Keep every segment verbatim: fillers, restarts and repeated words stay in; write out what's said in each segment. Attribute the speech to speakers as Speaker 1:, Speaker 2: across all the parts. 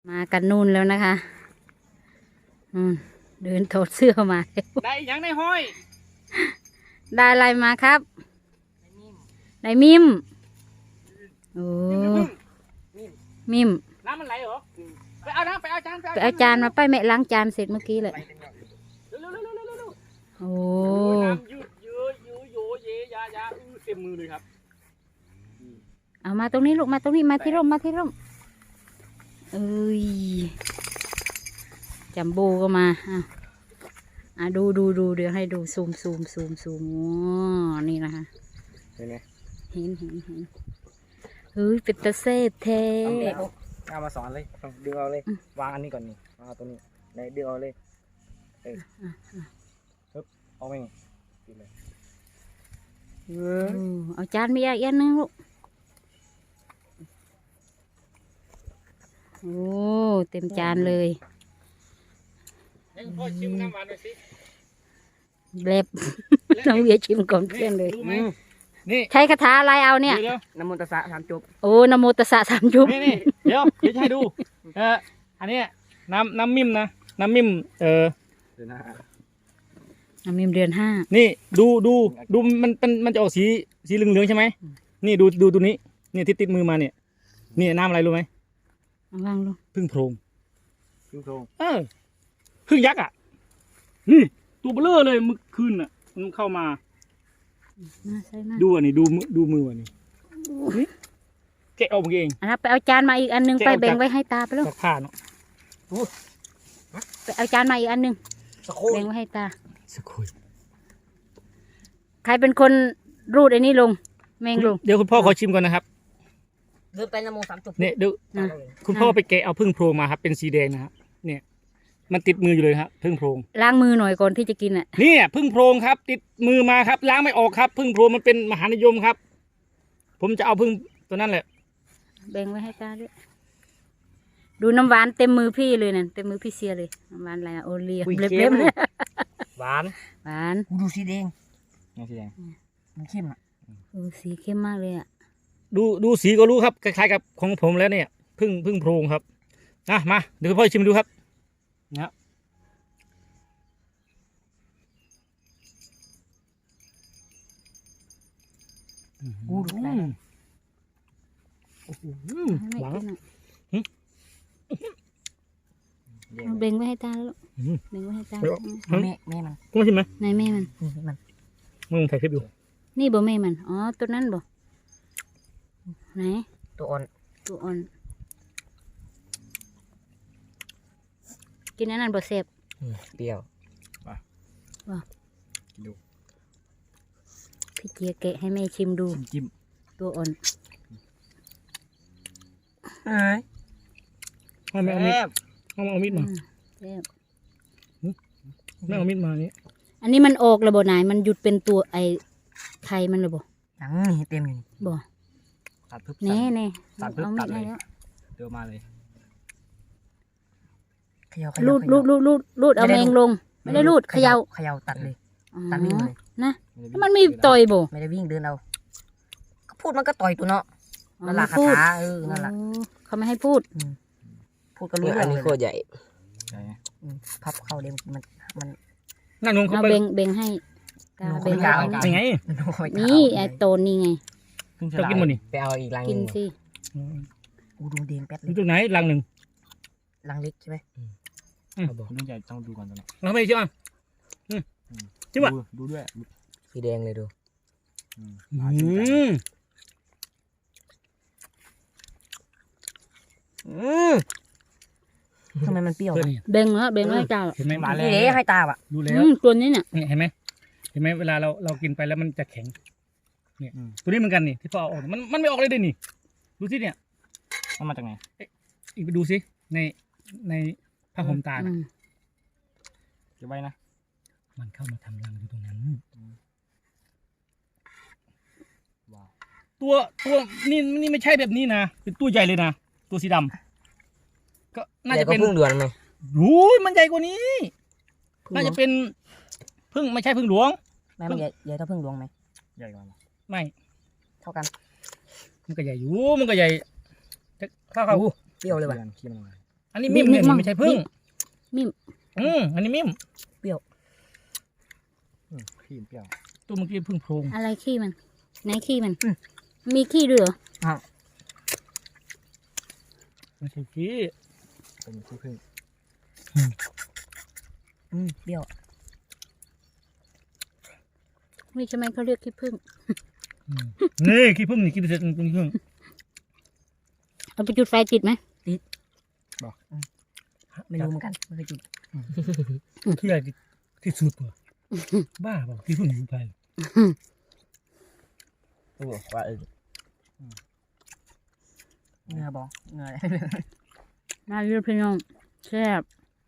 Speaker 1: มากันนู่นแล้วนะคะอืมเดินถอดเสื้อมา
Speaker 2: ได้ยังในห้อย
Speaker 1: ได้อะไรมาครับได้มิมโอ้มิม
Speaker 2: น้ำมันไหลเหรอไปเอาน้ำไปเอาจาน
Speaker 1: ไปเอาจานมาไปแม่ล้างจานเสร็จเมื่อกี้เลย
Speaker 2: เร็วเร็วเร็วเร็วเร็วเร็ว
Speaker 1: โอ้
Speaker 2: น้ำยืดเยอะยืดโยเยยายาอื้อเต็มมือเลยครับ
Speaker 1: เอามาตรงนี้ลูกมาตรงนี้มาที่ร่มมาที่ร่มเอ้ยจัมโบ้ก็มาอ่ะอ่ะดูดูดูเดี๋ยวให้ดูซูมซูมซูมซูมอ๋อนี่นะคะ
Speaker 2: เห็นไหม
Speaker 1: เห็นเห็นเห็นเฮ้ยเป็นตะเซฟเท
Speaker 2: เอามาสอนเลยดึงเอาเลยวางอันนี้ก่อนนี่วางเอาตัวนี้ไหนดึงเอาเลยเออปึ๊บเอาไปกินเลยเออ
Speaker 1: เอาจานมีอีกอันนึงลูกโอ้เต็มจานเลย
Speaker 2: ให้พ่อชิมน้ำหวานหน่อยสิ
Speaker 1: เล็บ น้องเวียชิมก่อนเพื่อนเลย
Speaker 2: นี่
Speaker 1: ใช้คาถาอะไรเอาเนี่ย
Speaker 2: เดี๋ยวน้ำมันตะสะสามจุบ
Speaker 1: โอ้นะโมตัสสะสามยุบ
Speaker 2: นี่นี่เดี๋ยวเดี๋ยวจะให้ดูเอออันนี้น้ำน้ำมิมนะน้ำมิมเออ
Speaker 1: น้ำมิมเดือนห้า
Speaker 2: นี่ดูดูดูมันเป็นมันจะออกสีสีเหลืองๆใช่ไหมนี่ดูดูตัวนี้นี่ที่ติดมือมาเนี่ยนี่น้ำอะไรรู้ไหม
Speaker 1: เอาวางลง
Speaker 2: พึ่งโพรงพึ่งโพรงเออพึ่งยักษ์อ่ะนี่ตัวเบลอเลยเมื่อคืนอ่ะมันเข้ามา
Speaker 1: มาใส่มา
Speaker 2: ดูอันนี้ดูมือดูมืออันนี้นี่แกะออกมาเอง
Speaker 1: อันนั้นไปเอาจานมาอีกอันนึงไปแบ่งไว้ให้ตาไปลูก
Speaker 2: จากผ้าเนาะ
Speaker 1: ไปเอาจานมาอีกอันนึง
Speaker 2: สะโค
Speaker 1: แบ่งไว้ให้ตา
Speaker 2: สะโคย
Speaker 1: ใครเป็นคนรูดไอ้นี่ลงแมงลง
Speaker 2: เดี๋ยวคุณพ่อขอชิมก่อนนะครับ
Speaker 3: เดินไปนโมสามจุด
Speaker 2: เนี่ยดู
Speaker 1: นะ
Speaker 2: คุณพ่อไปแกะเอาพึ่งโพรงมาครับเป็นสีแดงนะครับเนี่ย มันติดมืออยู่เลยครับพึ่งโพรง
Speaker 1: ล้างมือหน่อยก่อนที่จะกินอ่ะ
Speaker 2: เนี่ยพึ่งโพรงครับ ติดมือมาครับล้างไม่ออกครับพึ่งโพรงมันเป็นมหานิยมครับ ผมจะเอาพึ่งตัวนั้นแหละ
Speaker 1: แบ่งไว้ให้ตาด้วยดูน้ำหวานเต็มมือพี่เลยนั่นเต็มมือพี่เสียเลยน้ำหวานอะไรอะโอเลียเล็บๆเลย
Speaker 2: หวาน
Speaker 1: หวาน
Speaker 3: กูดูสีแดง
Speaker 2: นี่สีแดง
Speaker 3: มันเข้มอ่ะ
Speaker 1: โอ้สีเข้มมากเลยอ่ะ
Speaker 2: ดูดูสีก็รู้ครับคล้ายๆกับของผมแล้วเนี่ยพึ่งพึ่งโพรงครับนะมาเดี๋ยวคุณพ่อชิมดูครับนะครับ
Speaker 3: กูดูได้
Speaker 2: โอ้โห
Speaker 1: ให้แม่
Speaker 2: หวาน
Speaker 1: กินหน่อยเอาแบ่งไว้ให้ตาแล้วลูกแบ่งไว้ให้ตา
Speaker 3: แม่แม่มัน
Speaker 2: คุณมาชิมไหม
Speaker 1: นายแม่มัน
Speaker 3: นี่มัน
Speaker 2: มึงถ่ายคลิปอยู่
Speaker 1: นี่บ่แม่มันอ๋อตัวนั้นบ่ไหน
Speaker 3: ตัวอ่อน
Speaker 1: ตัวอ่อนกินอันนั้นบ่เสพ
Speaker 3: เปรี้ยว
Speaker 1: พี่เจียแกะให้แม่ชิมดู
Speaker 2: จิ้ม
Speaker 1: ตัวอ่อน
Speaker 3: เอ้ย
Speaker 2: ให้แม่เอามีดให้แม่เอามีดมา
Speaker 1: แซ่บ
Speaker 2: แม่เอามีดมานี่
Speaker 1: อันนี้มันออกแล้วบ่นายมันหยุดเป็นตัวไอ้ไข่มันเลยบ่
Speaker 3: หนังนี่เต็มอยู่นี่
Speaker 1: บ่
Speaker 2: ตัดพึบ
Speaker 1: แน่แน่
Speaker 2: ตัดพึบ
Speaker 1: เอา
Speaker 2: ตั
Speaker 1: มี
Speaker 2: ด
Speaker 1: ด
Speaker 2: เล
Speaker 1: ให้
Speaker 2: ย
Speaker 1: แล้ว
Speaker 2: เดี๋ยวมาเลย
Speaker 3: เขย่าเข
Speaker 1: รู
Speaker 3: ย่า
Speaker 1: ดรูดรูดรูดรูดเอาแมงลง ไม่ได้รูดเขย่า
Speaker 3: เขย่าตัดเลย
Speaker 1: อ๋อ
Speaker 3: ตัดวิ่งเลย
Speaker 1: นะแล้วมันมีต่อยบ่
Speaker 3: ไม่ได้วิ่งเดินเอาก็พูดมันก็ต่อยตัวเนาะ
Speaker 1: อ๋อ
Speaker 3: นั่นแหละคา
Speaker 1: พูด
Speaker 3: ถาเออนั่นแหละ
Speaker 1: อ๋อเขาไม่ให้พูด
Speaker 3: พูดก็รู้เรื่องเลย
Speaker 4: โคตรใหญ่
Speaker 3: อืมพับเข้าเดี๋ยวมันมัน
Speaker 2: นั่งลงเข้า
Speaker 1: เอา
Speaker 2: ไป
Speaker 1: เบ่งเบ่งให้ตา
Speaker 3: หนู
Speaker 1: เบ่ง
Speaker 3: ไม่กล้า
Speaker 1: ให้
Speaker 3: เอา
Speaker 2: ยังไง
Speaker 3: มันโอ้ย
Speaker 1: นี่ไอ้โตนนี่ไง
Speaker 2: ชอบกินหมดนี่
Speaker 4: ไปเอาอีกลังห
Speaker 1: กิน
Speaker 4: นึ่ง
Speaker 1: สิ
Speaker 3: กูดูแดงแป๊ดเล
Speaker 2: ดู
Speaker 3: ย
Speaker 2: ตรงไหนรังหนึ่ง
Speaker 3: ลังเล็กใช่ไหม
Speaker 4: เอาบอก
Speaker 5: ต้องใหญ่ต้องดูก่อนตอนนี้
Speaker 2: รังไม่ใช่ป่ะอืมใช่ป่ะ
Speaker 5: ดูดูด้วย
Speaker 4: สีแดงเลยดู
Speaker 5: อืม
Speaker 2: อืม
Speaker 3: อืมทำไมมันเปรี้ยว
Speaker 2: เพื่อน
Speaker 3: วะ
Speaker 2: นี่
Speaker 1: เบ่งแล้วเบ่งแล้วให้ตา
Speaker 2: เห็นไหม
Speaker 3: นี่เด้ให้ตาอ่ะ
Speaker 2: ดูแล้
Speaker 1: อื
Speaker 2: ว
Speaker 1: มตัวนี้เนี่ย
Speaker 2: เนี่ยเห็นไหมเห็นไหมเวลาเราเรากินไปแล้วมันจะแข็ง เนี่ยตัวนี้เหมือนกันนี่ที่พ่อเอาออกมันมันไม่ออกเลยเด้นี่ดูสิเนี่ย
Speaker 5: มันมาจากไหน
Speaker 2: อีกไปดูสิในในผ้าห่มตา
Speaker 1: อื
Speaker 2: น่ะ
Speaker 1: ม
Speaker 5: เก็บไว้นะ
Speaker 2: มันเข้ามาทำรังอยู่ตรงนั้น
Speaker 5: ว้าว
Speaker 2: ตัวตัวนี่นี่ไม่ใช่แบบนี้นะเป็นตัวใหญ่เลยนะตัวสีดำก็น่า
Speaker 4: ใหญ่
Speaker 2: จะ
Speaker 4: ก็
Speaker 2: เป็น
Speaker 4: พึ่งด่วนไหม
Speaker 2: โอ้ยมันใหญ่กว่านี้ น่าจะเป็นพึ่งไม่ใช่พึ่งหลวง
Speaker 3: แม่มันใหญ่ใหญ่เท่าพึ่งหลวงไหม
Speaker 5: ใหญ่กว่าเหรอ
Speaker 2: ไม่
Speaker 3: เท่ากัน
Speaker 2: มันก็ใหญ่อยู่มันก็ใหญ่จะเข้าเข้า
Speaker 3: เปรี้ยวเลยว่ะ
Speaker 5: ขี้มันขี้มันอะไร
Speaker 2: อันนี้มิมเนี่ยไม่ใช่พึ่ง
Speaker 1: มิม
Speaker 2: อืมอันนี้มิม
Speaker 5: อืมขี้เปรี้ยว
Speaker 2: ตัวเมื่อกี้พึ่งโพรง
Speaker 1: อะไรขี้มันไหนขี้มันมีขี้ด้วยเหรอ
Speaker 2: ไม่ใช่ขี้
Speaker 5: เป็นขี้ผึ้ง
Speaker 3: อืมเปรี้ยว
Speaker 1: นี่ใช่ไหมเขาเรียกขี้ผึ้ง
Speaker 2: นี่ขี้พึ่งนี่ขี้เสร็จเป็นขี้พึ่ง
Speaker 1: เอาไปจุดไฟติดไหม
Speaker 3: ไม่รู้เหมือนกันไม่เคยจุด
Speaker 2: ขี้อะไรที่สุดวะบ้าเปล่าขี้พึ่งอยู่ไทย
Speaker 4: รู้ว่าเออ
Speaker 3: เงือบอกเงืออะไร
Speaker 1: มาเรียกพี่น้องแซ่บ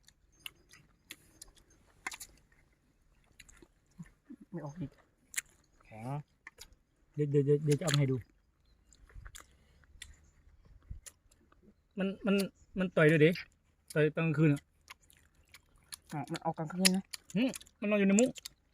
Speaker 3: ไม่ออกดิ
Speaker 5: แข็ง
Speaker 2: เดี๋ยวเดี๋ยวเดี๋ยวเดี๋ยวจะเอามาให้ดู มันมันมันต่อยด้วยดิต่อยตอนกลางคืนอ่ะ
Speaker 3: อ๋อมันออกกลางคืนนะ
Speaker 2: มันนอนอยู่ในมุ้ง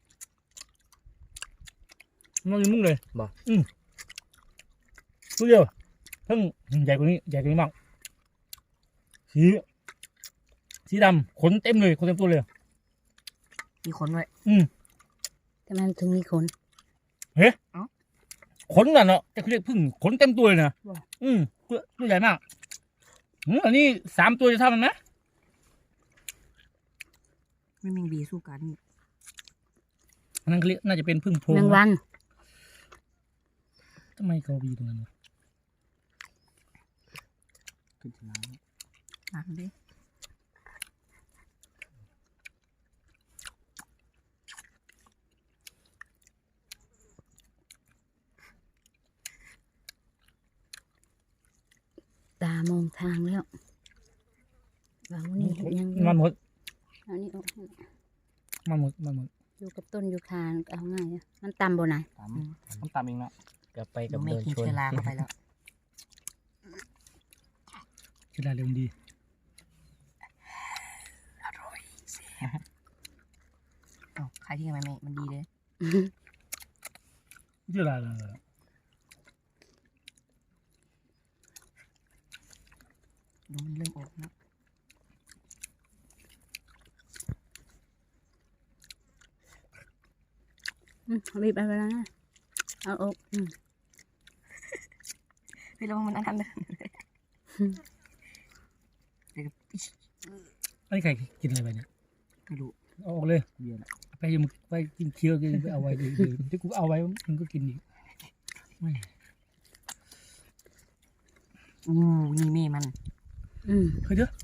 Speaker 2: มันนอนอยู่ในมุ้งเลยอืมตัวเดียวเพิ่งใหญ่กว่านี้ใหญ่กว่านี้มากสีสีดำขนเต็มเลยขนเต็มตัวเลย
Speaker 3: มีขนไว้
Speaker 2: อืม
Speaker 1: ทำไมมันถึงมีขน
Speaker 2: ขนน่ะเนาะจะเขาเรียกพึ่งขนเต็มตัวเลยนะอืมตัวตัวใหญ่มากอืมอันนี้สามตัวจะเท่ามันไหม
Speaker 3: ไม่มีบีสู้กัน
Speaker 2: อันนั้นเขาเรียกน่าจะเป็นพึ่งโพรง
Speaker 1: แมงวัน
Speaker 2: ทำไมเขาบีตรงนั้นวะ
Speaker 5: ขึ้นชนะ
Speaker 3: น้ำดิ
Speaker 1: ตามองทางแล้ววางนี่ยังอยู่
Speaker 2: มันหมด
Speaker 1: เอานี่ออกให้
Speaker 2: มันหมดมันหมด
Speaker 1: อยู่กับต้นยูคาเอาง่ายนะมันต่ำบ่ไหน
Speaker 5: ตามต้องตามเองเนาะ
Speaker 4: กลับไป
Speaker 3: เดี๋
Speaker 4: กั
Speaker 3: ย
Speaker 4: บ
Speaker 3: วไม่
Speaker 4: โดน
Speaker 3: กิน
Speaker 4: ชน
Speaker 3: เชื้อราเข้าไปแล้ว
Speaker 2: เวลาเร็วดี
Speaker 3: อ๋อใครที่ทำไมไม่มันดีเลย
Speaker 2: เวลาเลย
Speaker 3: ดูมันเริ่มออกแล้ว
Speaker 1: อืมบีบไปแล้วนะเอาอกอืม
Speaker 3: พี่ระวังมันอันนั้นเลยเดี๋ยว
Speaker 2: อันนี้ใครกินอะไรไปเนี่ย
Speaker 3: ไม่รู้
Speaker 2: เอาออกเลย
Speaker 5: เบียร์น่ะ
Speaker 2: ไปยังไปกินเคี้ยวกินไปเอาไว้เดี๋ยวเดี๋ยวที่กูเอาไว้มันก็กินอีกไม่
Speaker 3: อู้นี่เม่มัน
Speaker 1: อืม
Speaker 2: เคยเจอ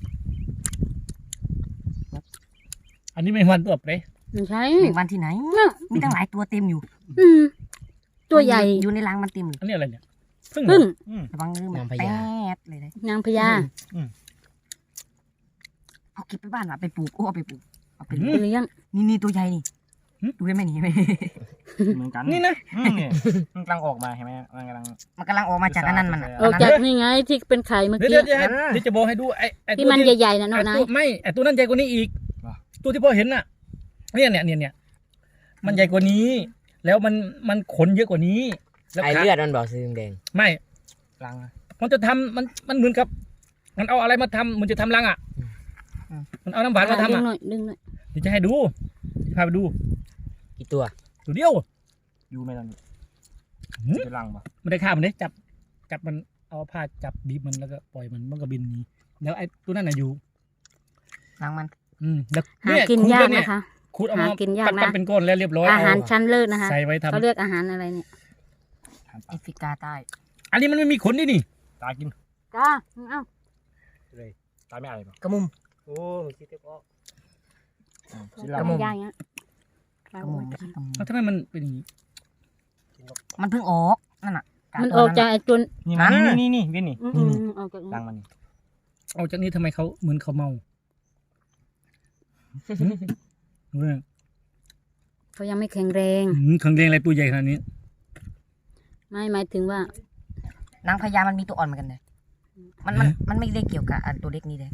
Speaker 2: อันนี้ไม่มันตัวเปรย์
Speaker 1: ไม่ใช่
Speaker 3: แมงวันที่ไหน มีตั้งหลายตัวเต็มอยู่
Speaker 1: อืมตัวใหญ่
Speaker 3: อยู่ในรังมันเต็มอยู่
Speaker 2: อันนี้อะไรเนี่ยพึ่ง
Speaker 1: พึ่ง
Speaker 2: อืม
Speaker 3: ระวังมือมันแป๊ดเลยนะ
Speaker 1: นางพญา
Speaker 3: เอาเก็บไปบ้านว่ะไปปลูกโอ้เอาไปปลูกเอาไป
Speaker 1: เลี้ยง
Speaker 3: นี่นี่ตัวใหญ่นี่ดูได้ไหมนี่
Speaker 5: เหมือนกัน
Speaker 2: นี่นะ
Speaker 5: อืมเนี่ยมันกำลังออกมาเห็นไหมมันกำลัง
Speaker 3: มันกำลังออกมาจากอันนั้นมัน
Speaker 1: ออกจากนี่ไงที่เป็นไข่เมื่อ
Speaker 2: เดี๋ยว
Speaker 1: กี้
Speaker 2: เดี๋ยวเดี๋ยวให้เดี๋ยวจะบอกให้ดูไอ้ไอ้
Speaker 1: ที่
Speaker 2: ตัว
Speaker 1: มัน
Speaker 2: ที่
Speaker 1: ใหญ่ๆน่ะ
Speaker 2: ไอ้
Speaker 1: เนาะนา
Speaker 2: ตั
Speaker 1: ยว
Speaker 2: ไม่ไอ้ตัวนั้นใหญ่กว่านี้อีก ตัวที่พ่อเห็นน่ะ เนี่ยเนี่ยเนี่ยเนี่ยมันใหญ่กว่านี้ แล้วมันมันขนเยอะกว่านี้แล้ว
Speaker 4: ไอ
Speaker 2: ขา
Speaker 4: เลือดมันบอกสีแดง
Speaker 2: ไม่
Speaker 5: รัง
Speaker 2: มันจะทำมันมันเหมือนกับ มันเอาอะไรมาทำมันจะทำรังอ่ะมันเอาน้ำหวานมาทำ
Speaker 1: ดึง
Speaker 2: อ่ะ
Speaker 1: หน่อยดึงหน่อย
Speaker 2: เดี๋ยวจะให้ดูพาไปดู
Speaker 4: ๆกี่ตัว
Speaker 2: ตัวเดียว
Speaker 5: อยู่ไหมตอนนี้
Speaker 2: หืม
Speaker 5: จะรังปะ
Speaker 2: ไม่ได้ฆ่ามันเลยจับจับมันเอาผ้าจับบีบมันแล้วก็ปล่อยมันมันก็บินหนีแล้วไอ้ตัวนั้นน่ะอยู่
Speaker 3: รังมัน
Speaker 2: อืมแล้ว
Speaker 1: หา
Speaker 2: เนี่ย
Speaker 1: กิน
Speaker 2: ขูด
Speaker 1: ยา
Speaker 2: แล้
Speaker 1: ก
Speaker 2: วเนี่ย
Speaker 1: นะคะ
Speaker 2: ขูดเอามา
Speaker 1: หากินยาก
Speaker 2: ปั้น
Speaker 1: นะ
Speaker 2: ปั้นเป็นก้อนแล้วเรียบร้อย
Speaker 1: อาหาร
Speaker 2: เ
Speaker 1: ชั้นเลิศนะคะ
Speaker 2: ใส่ไว้ทำ
Speaker 1: เขาเรียกอาหารอะไรเนี่ย
Speaker 5: ทานป
Speaker 3: แอ
Speaker 5: ลา
Speaker 3: ฟริกาใต้
Speaker 2: อันนี้มันไม่มีขนดินี่
Speaker 5: ตากิน
Speaker 1: จ้าเอ้า
Speaker 5: เลยตาไม่อะไรปะ
Speaker 3: กระมุม
Speaker 4: โอ้คิดเต็มออก
Speaker 5: อืม
Speaker 1: ก
Speaker 5: ชิ้น
Speaker 1: ระ
Speaker 5: รัง
Speaker 1: มุมย่างเงี้ย
Speaker 3: กระมุมไม่ใช่กระมุม
Speaker 2: แล้วทำไมมันเป็นอย่างนี้
Speaker 3: มันเพิ่งออกนั่นน่ะ
Speaker 1: มันออกจากไอ้ตัว
Speaker 5: นี่มันนี่นี่นี่นี่นี่
Speaker 1: อืมอืมอืมออกจาก
Speaker 5: รังมันนี่
Speaker 2: เอาจากนี้ทำไมเขาเหมือนเขาเมาหืมดูนะ
Speaker 1: เขายังไม่แข็งแรง
Speaker 2: หืมขังแดงอะไรตัวใหญ่ขนาดนี้
Speaker 1: ไม่หมายถึงว่า
Speaker 3: นางพญามันมีตัวอ่อนเหมือนกันเลยมันมันมันไม่ได้เกี่ยวกับอันตัวเล็กนี่เลย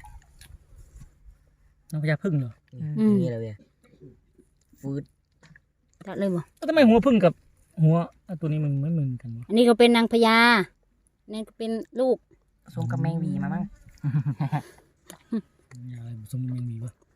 Speaker 2: น้องพญาพึ่งเหรอ
Speaker 4: นี่เลยเนี่ยฟืด
Speaker 1: จัดเลยบ่
Speaker 2: แล้วทำไมหัวพึ่งกับหัวไอ้ตัวนี้มันไม่เหมือนกันวะ
Speaker 1: อันนี้ก็เป็นนางพญานี่ก็เป็นลูก
Speaker 3: สวมกับแมงวีมามั้ง
Speaker 2: สมมันมีปะ